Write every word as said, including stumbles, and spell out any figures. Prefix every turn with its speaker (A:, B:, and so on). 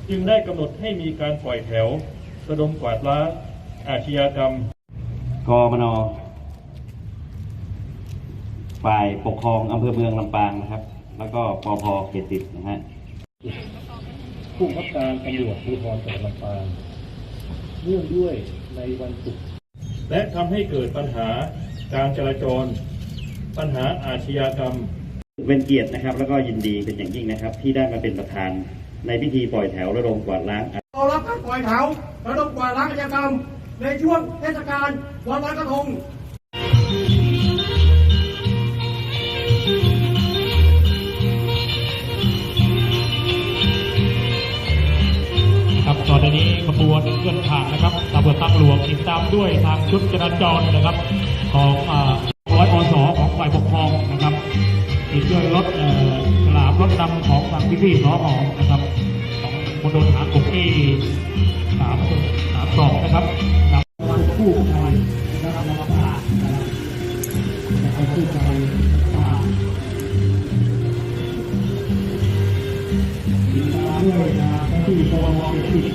A: จึงได้กำหนดให้มีการปล่อยแถวระดมกวาดล้างอาชญากรรม
B: กมน.ฝ่ายปกครองอำเภอเมืองลำปางนะครับแล้วก็ปภ.เขตสิบนะฮะ
A: ผู้บังคับการตำรวจภูธรจังหวัดลำปางเนื่องด้วยในวันศุกร์และทำให้เกิดปัญหาการจราจรปัญหาอาชญากรรม
B: เป็นเกียรตินะครับแล้วก็ยินดีเป็นอย่างยิ่งนะครับที่ได้มาเป็นประธานในพิธีปล่อยแถวระดมกวาดล้าง
C: รอรับการปล่อยแถวระดมกวาดล้างอาชญากรรมในช่วงเทศกาลวันลอยกระทง
D: ครับตอนนี้ขบวนเคลื่อนผ่านนะครับตำรวจทางหลวงติดตามด้วยทางชุดจราจรนะครับของร้อยอสของฝ่ายปกครองนะครับติดด้วยรถฉลามรถดำของทางพี่ๆสอนะครับของมณฑลทหารบกที่สามสามสองนะครับนำคู่ใจนะครับนำผ้านะครับคู่ใจผ้าติดตามด้วยนะที่ปวส